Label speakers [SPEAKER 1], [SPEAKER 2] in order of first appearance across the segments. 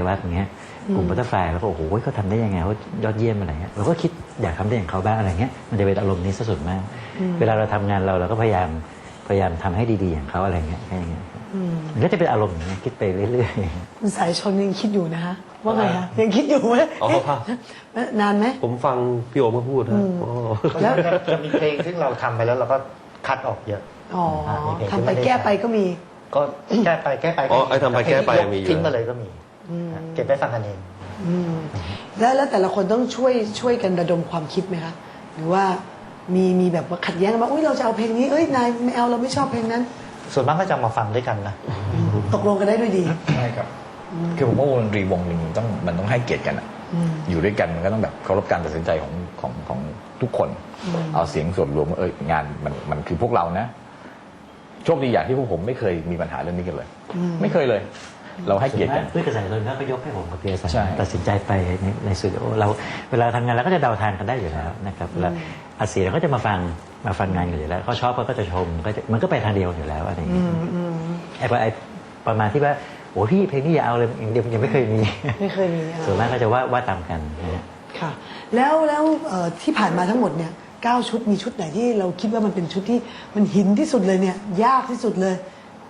[SPEAKER 1] วัฒน์อย่างเงี้ยกลุ่มบัตเตอร์ฟลายแล้วก็โอ้โหเขาทำได้ยังไงเขายอดเยี่ยมอะไรเงี้ยเราก็คิดอยากทำได้อย่างเขาบ้างอะไรเงี้ยมันจะเป็นอารมณ์นี้ซะส่วนมากเวลาเราทำงานเราก็พยายามทำให้ดีๆอย่างเขาอะไรเงี้ยแค่อย่างเงี้ยมันก็จะเป็นอารมณ์อย่างเงี้ยคิดไปเรื่อยๆ
[SPEAKER 2] คุณสายชนยังคิดอยู่นะคะว่าไงคะยังคิดอยู่ไหมนานไหม
[SPEAKER 3] ผมฟังพี่โอมาพูดนะ
[SPEAKER 4] แล้วจะมีเพลงที่เราทำไปแล้วเราก็คัดออกเยอะ
[SPEAKER 2] ทำไปแก้ไปก็มี
[SPEAKER 4] ก็แก้ไป
[SPEAKER 3] อ๋อไอ้ทำไปแก้ไปมี
[SPEAKER 4] ทิ้งมาเลยก็มีเก็บไว้ฟังกันเอง
[SPEAKER 2] แล้วแต่ละคนต้องช่วยกันระดมความคิดไหมคะหรือว่ามีแบบว่าขัดแย้งกันว่าอุ้ยเราจะเอาเพลงนี้เอ้ยนายไม่เอาเราไม่ชอบเพลงนั้น
[SPEAKER 4] ส่วนมากก็จะมาฟังด้วยกันนะ
[SPEAKER 2] ตกลงกันได้ด้วยดี
[SPEAKER 5] ใช่ครับคือผมว่าวงดนตรีวงหนึ่งมันต้องให้เกียรติกันอะอยู่ด้วยกันมันก็ต้องแบบเคารพการตัดสินใจของทุกคนเอาเสียงส่วนรวมงานมันคือพวกเรานะโชคดีอย่างที่พวกผมไม่เคยมีปัญหาเรื่องนี้กันเลยไม่เคยเลยเราให้เกียรติกัน
[SPEAKER 1] ด้วยกระแสคนก็ยกให้ผมกับพี่อาสาตัดสินใจไปในสตูดิโอเราเวลาทำงานเราก็จะเดาทางกันได้อยู่แล้วนะครับแล้วอาเสียเราก็จะมาฟังงานกันอยู่แล้วเขาชอบก็จะชมมันก็ไปทางเดียวอยู่แล้วอะไรอย่างเงี้ยไอ้ประมาณที่ว่าโอ้พี่เพลงนี้อย่าเอาเลยอย่างเดียวยังไม่เคยมีส่วนมากก็จะว่าตามกันนะฮะ
[SPEAKER 2] ค่ะแล้วที่ผ่านมาทั้งหมดเนี่ย9 ชุดมีชุดไหนที่เราคิดว่ามันเป็นชุดที่มันหินที่สุดเลยเนี่ยยากที่สุดเลย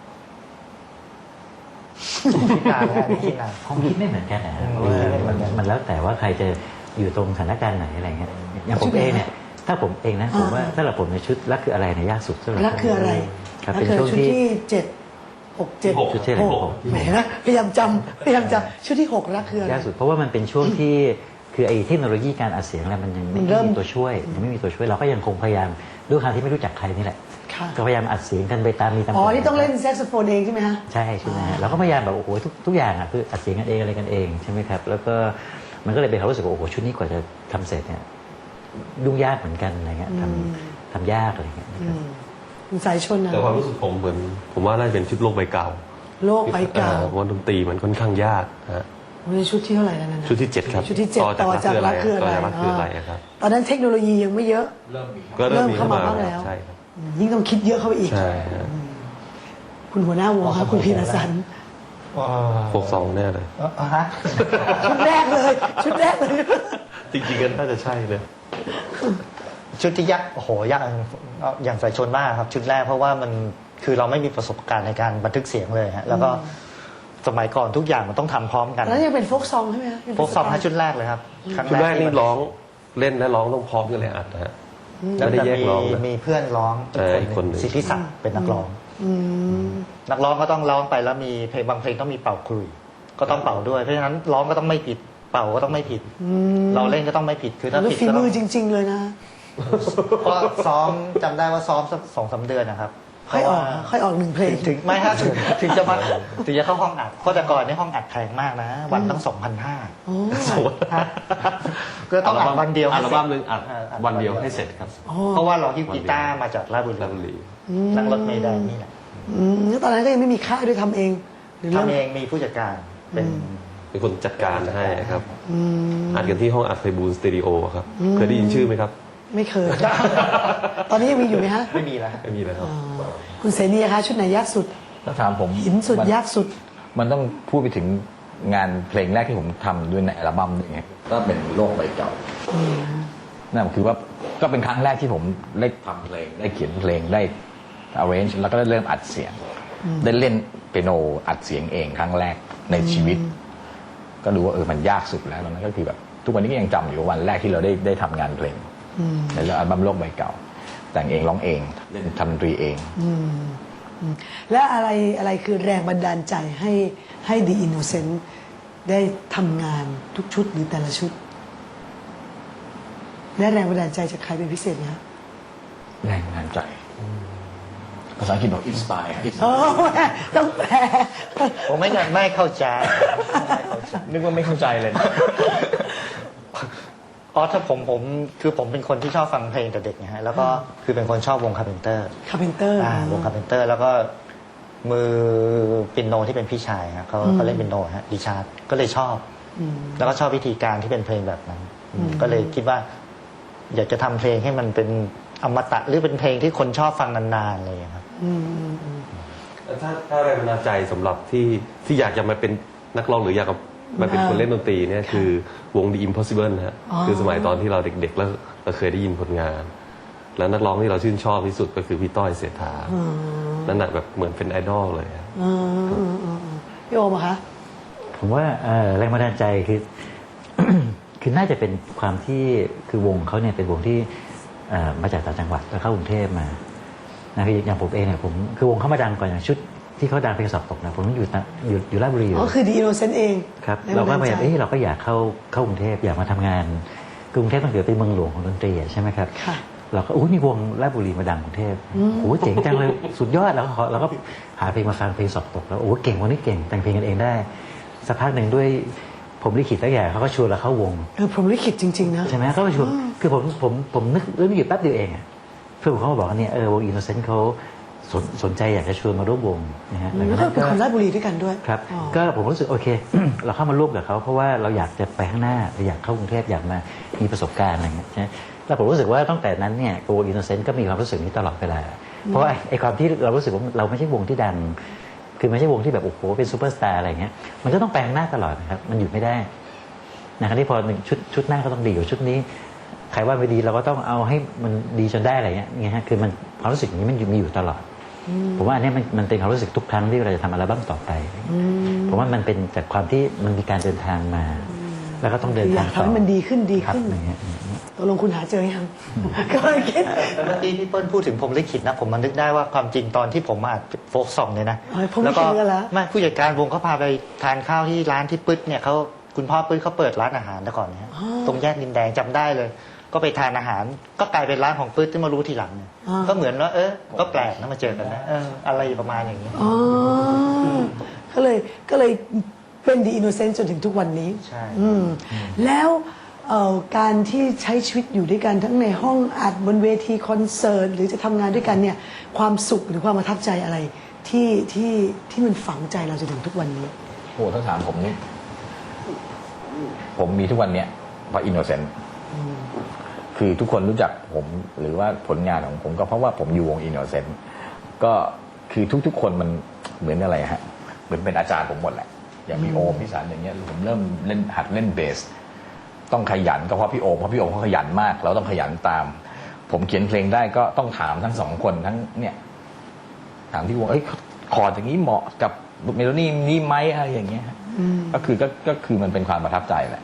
[SPEAKER 4] คิดนานแล้วคิดนาน
[SPEAKER 1] ผมคิดไม่เหมือนกันนะเพราะว่ามันแล้วแต่ว่าใครจะอยู่ตรงสถานการณ์ไหนอะไรเงี้ยอย่างผมเองเนี่ยถ้าผมเองนะผมว่าถ้าเราผมในชุดรักคืออะไรเนี่ยยากสุดสำหรับ
[SPEAKER 2] รักคืออะไร
[SPEAKER 1] ครับเป็นช่วงที่
[SPEAKER 2] 7
[SPEAKER 1] ชุดที่
[SPEAKER 2] 6แหมนะพยายามจำชุดที่6รักคืออะไร
[SPEAKER 1] ยากสุดเพราะว่ามันเป็นช่วงที่คือไอ้เทคโนโลยีการอัดเสียงอะไรมันยังไม่มีตัวช่วยยังไม่มีตัวช่วยเราก็ยังคงพยายามด้วยความที่ไม่รู้จักใครนี่แหละก็พยายามอัดเสียงกันไปตาม
[SPEAKER 2] อ๋อที่ต้องเล่นแซกโซโฟนเองใช่ไหมฮะ
[SPEAKER 1] ใช่ไหมฮะเราก็พยายามแบบโอ้โหทุกอย่างอ่ะคืออัดเสียงกันเองอะไรกันเองใช่ไหมครับแล้วก็มันก็เลยเป็นความรู้สึกว่าโอ้โหชุดนี้กว่าจะทำเสร็จเนี่ยยุ่งยากเหมือนกันอะไรเงี้ยทำยากอะไรเงี้ย
[SPEAKER 2] สายชนนะ
[SPEAKER 3] แต่ความรู้สึกผมว่าน่าจะเป็นชุดโลกใบเก่าเพราะว่าดนตรีมันค่อนข้างยากฮะ
[SPEAKER 2] ชุดที่เท่าไหร่แล้วนะ
[SPEAKER 3] ชุดที่7ครับ
[SPEAKER 2] ชุดที่7ต่อจากรักคืออะไร
[SPEAKER 3] ครับ
[SPEAKER 2] ตอนนั้นเทคโนโลยียังไม่เยอะ
[SPEAKER 3] เริ่ม
[SPEAKER 2] เข้ามาบ้างแล้ว
[SPEAKER 3] ใช่ครับ
[SPEAKER 2] ยิ่งต้องคิดเยอะเข้าไปอีก
[SPEAKER 3] ใช่
[SPEAKER 2] คุณหัวหน้าวงครับคุณพีรสัน
[SPEAKER 3] 62แน่เลย
[SPEAKER 2] ชุดแรกเลย
[SPEAKER 3] จริงๆกันน่าจะใช่เลย
[SPEAKER 4] ชุดที่ยากโอ้โหยากอย่างสายชนมากครับชุดแรกเพราะว่ามันคือเราไม่มีประสบการณ์ในการบันทึกเสียงเลยฮะแล้วก็สมัยก่อนทุกอย่างมันต้องทำพร้อมกัน
[SPEAKER 2] แล้วยังเป็นโฟกซองใช่ไหมครับ
[SPEAKER 4] โฟกซองชุดแรกเลยครับ
[SPEAKER 3] ชุดแรกนี่ร้องเล่นและร้องต้องพร้อมกันเลยอัดนะฮะ
[SPEAKER 4] แล้วจะมีเพื่อนร้องอีกคนสิทธิศักดิ์เป็นนักร้องก็ต้องร้องไปแล้วมีเพลงบางเพลงต้องมีเป่าคลุยก็ต้องเป่าด้วยเพราะฉะนั้นร้องก็ต้องไม่ผิดเป่าก็ต้องไม่ผิดเราเล่นก็ต้องไม่ผิดคือถ้าผิด
[SPEAKER 2] ฝีมือจริงๆเลยนะ
[SPEAKER 4] ก็ซ้อมจำได้ว่าซ้อม2-3 เดือนนะครับ
[SPEAKER 2] ค่อยออก1 เพลง
[SPEAKER 4] ถึงไม่ถ้าถึงจะเข้าห้องอัดเพราะแต่ก่อนในห้องอัดแพงมากนะวันตั้ง 2,500ก็ต้องอัดวันเดียว
[SPEAKER 3] อัลบั้มนึงอัดวันเดียวให้เสร็จครับ
[SPEAKER 4] เพราะว่าเราฮิ้วกีตาร์มาจากราชบุรีนั่งรถเมล์ได้นี่แหละ
[SPEAKER 2] แล้วตอนนั้นก็ยังไม่มีค่ายด้วยทำเอง
[SPEAKER 4] ทำเองมีผู้จัดการ
[SPEAKER 3] เป็นคนจัดการให้ครับอัดกันที่ห้องอัดไฟบูลสตูดิโอครับเคยได้ยินชื่อไหมครับ
[SPEAKER 2] ไม่เคยตอนนี้ยังมีอยู่ไหมฮะ
[SPEAKER 4] ไม่มีแล้ว
[SPEAKER 3] ครับ
[SPEAKER 2] คุณเสนีคะชุดไหนยากสุด
[SPEAKER 5] ถ้าถามผม
[SPEAKER 2] หินสุดยากสุด
[SPEAKER 5] มันต้องพูดไปถึงงานเพลงแรกที่ผมทำด้วยในอัลบั้มอย่างเงี้ยก็เป็นโลกใบเก่านั่นคือว่าก็เป็นครั้งแรกที่ผมได้ทำเพลงได้เขียนเพลงได้ arrange แล้วก็ได้เริ่มอัดเสียงได้เล่นเปียโนอัดเสียงเองครั้งแรกในชีวิตก็ดูว่ามันยากสุดแล้วตอนนั้นก็คือแบบทุกวันนี้ก็ยังจำอยู่วันแรกที่เราได้ทำงานเพลงในอัลบั้มโลกใบเก่าแต่งเองร้องเองเล่นทำดนตรีเอง
[SPEAKER 2] และอะไรคือแรงบันดาลใจให้ The Innocent ได้ทำงานทุกชุดหรือแต่ละชุดได้แรงบันดาลใจจากใครเป็นพิเศษไหมครับ
[SPEAKER 5] แรงบันดาลใจภาษาอังกฤษบอก inspire
[SPEAKER 2] ต้องแปล
[SPEAKER 4] ผมไม่เข้าใจ
[SPEAKER 5] นึกว่าไม่เข้าใจเลย
[SPEAKER 4] ถ้าผมเป็นคนที่ชอบฟังเพลงแต่เด็กนะฮะแล้วก็คือเป็นคนชอบวงคาร์เพนเตอร์วงคาร์เพนเตอร์แล้วก็มือปิโนที่เป็นพี่ชายฮะเขาเล่นปิโนฮะดิชาร์ดก็เลยชอบแล้วก็ชอบวิธีการที่เป็นเพลงแบบนั้นก็เลยคิดว่าอยากจะทำเพลงให้มันเป็นอมตะหรือเป็นเพลงที่คนชอบฟังนานๆเลยครับ
[SPEAKER 3] ถ้าแรงบันดาลใจสำหรับที่อยากจะมาเป็นนักร้องหรืออยากมาเป็นคนเล่นดนตรีเนี่ยคือวง The Impossible นะฮะ
[SPEAKER 2] อ๋อ
[SPEAKER 3] คือสมัยตอนที่เราเด็กๆแล้วเราเคยได้ยินผลงาน แล้วนักร้องที่เราชื่นชอบที่สุดก็คือพี่ต้อยเศรษฐานั่นแหะแบบเหมือนเป็นไอดอลเลยครับ
[SPEAKER 2] พี่โอมอะคะ
[SPEAKER 1] ผมว่าแรงบันดาลใจคือ คือน่าจะเป็นความที่คือวงเขาเนี่ยเป็นวงที่มาจากต่างจังหวัดแล้วเข้ากรุงเทพมานะคืออย่างผมเองเนี่ยผมคือวงเขามาดังก่อนอย่างชุดที่เขาดังเพลงสอบตกนะผมอยู่ราชบุรีอยู่
[SPEAKER 2] อ๋อคือดีโนเซนเอง
[SPEAKER 1] ครับ
[SPEAKER 2] แง
[SPEAKER 1] เราก็
[SPEAKER 2] บัน
[SPEAKER 1] พ
[SPEAKER 2] ด
[SPEAKER 1] ยายาม
[SPEAKER 2] ใจ
[SPEAKER 1] เราก็อยากเข้ากรุงเทพอยากมาทำงานกรุงเทพมันเกิดเป็นเมืองหลวงของดนตรีอะใช่ไหมครับ
[SPEAKER 2] ค่ะ
[SPEAKER 1] เราก็มีวงราชบุรีมาดังกรุงเทพโอ้โหเจ๋งจังเลยสุดยอดแล้วเราก็หาเพลงมาฟังเพลงสอบตกแล้วโอ้โหเก่งวันนี้เก่งแต่งเพลงกันเองได้สักพักหนึ่งด้วยผมลิขิตแล้วอย่างเขาก็ชวนเราเข้าวง
[SPEAKER 2] ผมลิขิตจริงๆนะ
[SPEAKER 1] ใช่ไหมเขาก็ชวนคือผมนึกเรื่องนี้อยู่แป๊บเดียวเองอะเพื่อนผมเขามาบอกว่าเนี่ยวงอินโนเซนต์เขาสนใจอยากจะชวนมาร่วมวงนะฮะ
[SPEAKER 2] แล้วก็เป็นคนราชบุรีด้วยกันด้วย
[SPEAKER 1] ครับ
[SPEAKER 2] อ๋อ
[SPEAKER 1] ก็ผมรู้สึกโอเค เราเข้ามาร่วมกับเขาเพราะว่าเราอยากจะไปข้างหน้าเราอยากเข้ากรุงเทพอยากมามีประสบการณ์อะไรเงี้ยใช่ไหมแล้วผมรู้สึกว่าตั้งแต่นั้นเนี่ยวงอินโนเซนต์ก็มีความรู้สึกนี้ตลอดเวลาเพราะว่าไอ้ความที่เรารู้สึกว่าเราไม่ใช่วงที่ดังคือไม่ใช่วงที่แบบโอ้โหเป็นซูเปอร์สตาร์อะไรเงี้ยมันจะต้องไปข้างหน้าตลอดนะครับมันหยุดไม่ได้นะครับที่พอหนึ่งชุดหน้าก็ต้องดีกว่าชุดนี้ใครว่าไม่ดีเราก็ต้องเอาให้มันดีจนได้อะไรเงี้ยฮะคือมันความรู้สึกอย่างนี้มันมีอยู่ตลอดผมว่าอันนี้มันเป็นความรู้สึกทุกครั้งที่เราจะทำอัลบั้มต่อไปผมว่ามันเป็นจากความที่มันมีการเดินทางมา แล้วก็ต้องเดิน
[SPEAKER 2] อยา
[SPEAKER 1] ทาง
[SPEAKER 2] ก
[SPEAKER 1] ต่อ
[SPEAKER 2] ทำให้มันดีขึ้นดี
[SPEAKER 1] ครับ
[SPEAKER 2] ขึ้น
[SPEAKER 1] อย่างเงี้ย
[SPEAKER 2] ตกลงคุณหาเจอยัง ก็เลยคิด
[SPEAKER 4] เมื่อกี้พี่เปิ้ลพูดถึงผมลิขิตนะผมมันนึกได้ว่าความจริงตอนที่ผมมาอัดโฟกซองเนี่ยนะ
[SPEAKER 2] เฮ้ยผมลิขิตกันแล้ว
[SPEAKER 4] ไม่ผู้จัดการวงเขาพาไปทานข้าวที่ร้านที่ปึ๊ดเนี่ยเขาคุณพ่อปึ๊ดเขาเปิดร้านอาหารแต่ก่อนเนี่ยตรงแยกดินแดงจำได้เลย ก็ไปทานอาหารก็กลายเป็นร้านของปึ๊ดที่มารู้ทีหลังเนี่ยก็เหมือนว่าก็แปลกนะมาเจอกันนะอะไรประมาณอย่างนี้
[SPEAKER 2] อ๋อก็เลยเป็นดีอินโนเซนต์จนถึงทุกวันนี้
[SPEAKER 4] ใช่
[SPEAKER 2] แล้วการที่ใช้ชีวิตอยู่ด้วยกันทั้งในห้องอัดบนเวทีคอนเสิร์ตหรือจะทำงานด้วยกันเนี่ยความสุขหรือความประทับใจอะไรที่มันฝังใจเราจนถึงทุกวันนี้
[SPEAKER 5] โอ้ถ้าถามผมนี่ผมมีทุกวันเนี้ยเพราะอินโนเซนต์คือทุกคนรู้จักผมหรือว่าผลงานของผมก็เพราะว่าผมอยู่วงอินโนเซนต์ก็คือทุกๆคนมันเหมือนอะไรฮะเหมือนเป็นอาจารย์ผมหมดแหละอย่างพี่โอมพี่สันอย่างเงี้ยผมเริ่มเล่นหัดเล่นเบสต้องขยันก็เพราะพี่โอมเขาขยันมาก เราต้องขยันตาม ผมเขียนเพลงได้ก็ต้องถามทั้งสองคนทั้งเนี่ยถามที่วงคอร์ดอย่างนี้เหมาะกับเมโลดี้นี้ไหมอะไรอย่างเงี้ยก็คือมันเป็นความประทับใจแหละ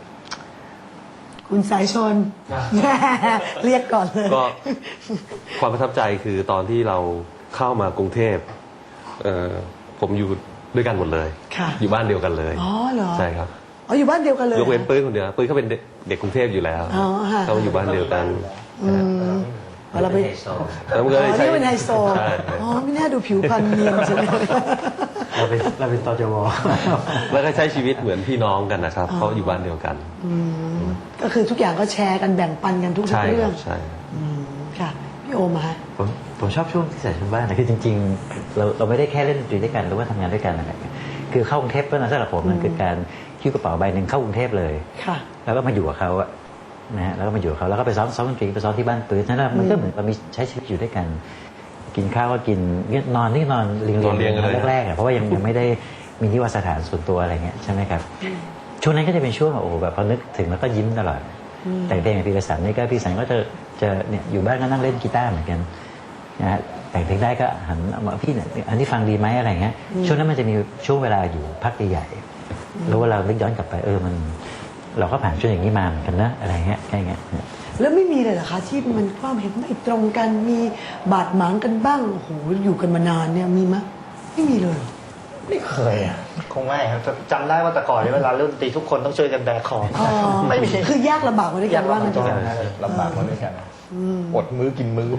[SPEAKER 2] คุณสายชน เรียกก่อนเลย
[SPEAKER 3] ก็ความประทับใจคือตอนที่เราเข้ามากรุงเทพผมอยู่ด้วยกันหมดเลย
[SPEAKER 2] ค่ะ
[SPEAKER 3] อยู่บ้านเดียวกันเลย
[SPEAKER 2] อ๋อเหรอ
[SPEAKER 3] ใช่ครับ
[SPEAKER 2] อ๋ออยู่บ้านเดียวกันเลย
[SPEAKER 3] ยกเว้นปื้ยคนเดียวปื้ยเขาเป็นเด็กกรุงเทพอยู่แล้ว
[SPEAKER 2] อ๋อค่ะ
[SPEAKER 3] เขาอยู่บ้านเดียวกัน
[SPEAKER 2] เราไป
[SPEAKER 3] แล้วมันก็
[SPEAKER 2] อ๋
[SPEAKER 3] เลย
[SPEAKER 2] อ
[SPEAKER 3] ใช้
[SPEAKER 2] นี่เป็นไฮโซ
[SPEAKER 3] ใช่
[SPEAKER 2] อ๋อไม่น่าดูผิวพรรณเนียนจังเลย
[SPEAKER 1] เราเป็นตจว
[SPEAKER 3] แล้วก็ใช้ชีวิตเหมือนพี่น้องกันนะครับเขาอยู่บ้านเดียวกัน
[SPEAKER 2] ก็คือทุกอย่างก็แชร์กันแบ่งปันกันทุก
[SPEAKER 3] ใช่
[SPEAKER 2] เรื่
[SPEAKER 3] ค
[SPEAKER 2] อ
[SPEAKER 3] รั
[SPEAKER 2] ง
[SPEAKER 3] บใช่
[SPEAKER 2] ค่ะพี่โอมาฮะ
[SPEAKER 1] ผมชอบช่วงที่ใส่ชุดบ้านนะคือจริงๆเราไม่ได้แค่เล่นดนตรีด้วยกันหรือว่าทำงานด้วยกันอะไรคือเข้ากรุงเทพก็นะสำหรับผมมันคือการคิ้วกระเป๋าใบหนึ่งเข้ากรุงเทพเลย
[SPEAKER 2] ค่ะ
[SPEAKER 1] แล้วก็มาอยู่กับเขาอะนะฮะแล้วก็มาอยู่กับเขาแล้วก็ไปซ้อมดนตรีไปซ้อมที่บ้านปืนนั่นแหละมันก็เหมือนเรามีใช้ชีวิตอยู่ด้วยกัน กินข้าวก็กินนอนเรียงแรกๆอะเพราะว่ายังไม่ได้มีนิวาสถานส่วนตัวอะไรเงี้ยใช่ไหมครับช่วงนั้นก็จะเป็นช่วงโอ้โหแบบพอนึกถึงแล้วก็ยิ้มตลอดแต่งเพลงกับพี่กระสันนี่ก็พี่สันก็จะเนี่ยอยู่บ้านก็นั่งเล่นกีตาร์เหมือนกันนะฮะแต่งเพลงได้ก็หันมาพี่เนี่ยอันนี้ฟังดีไหมอะไรเงี้ยช่วงนั้นมันจะมีช่วงเวลาอยู่พักใหญ่ๆแล้วเวลานึกย้อนกลับไปมันเราก็ผ่านช่วงอย่างนี้มาเหมือนกันนะอะไรเงี้ยแค่เงี้ย
[SPEAKER 2] แล้วไม่มีเลยเหรอคะที่มันความเห็นไม่ตรงกันมีบาดหมางกันบ้างโอ้โหอยู่กันมานานเนี่ยมีไหมไม่มีเลยเหรอ
[SPEAKER 4] ไม่เคยอ่ะคงไม่ครับจำได้ว่าแต่ก่อนเนี่ยเวลาเล่นดนตรีทุกคนต้องช่วยกันแบกของ
[SPEAKER 2] อ๋อ
[SPEAKER 4] ไม่มี
[SPEAKER 2] คือยากลำบากมาด้วยกันว่ามันจะ
[SPEAKER 5] ลำบากมาด้วยกันอดมื้อกินมื้อ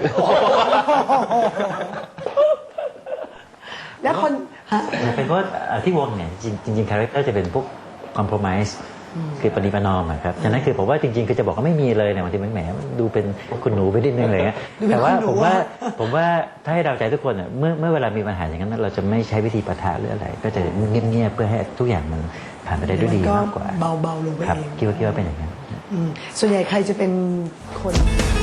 [SPEAKER 2] แล้วคนฮะ
[SPEAKER 1] เป็นเพราะที่วงเนี่ยจริงคาแรคเตอร์จะเป็นพวกคอมโพรไมซ์คือปฏิปนอมอะครับฉะนั้นคือผมว่าจริงๆคือจะบอกว่าไม่มีเลยเนี่ยบางทีมันแหมดูเป็นคุณหนูไปนิดนึงอะไรเงี้ยแต่ว่าผมว่าถ้าให้เราใจทุกคนอ่ะเมื่อเวลามีปัญหาอย่างนั้นเราจะไม่ใช้วิธีปะทะหรืออะไร ก็จะเงียบๆเพื่อให้ทุกอย่างมันผ่านไปได้ด้วยดีมากกว่า
[SPEAKER 2] เบาๆลงไป
[SPEAKER 1] ครับ
[SPEAKER 2] เอง
[SPEAKER 1] คิดว่าเป็นอย่างนั้น
[SPEAKER 2] ส่วนใหญ่ใครจะเป็นคน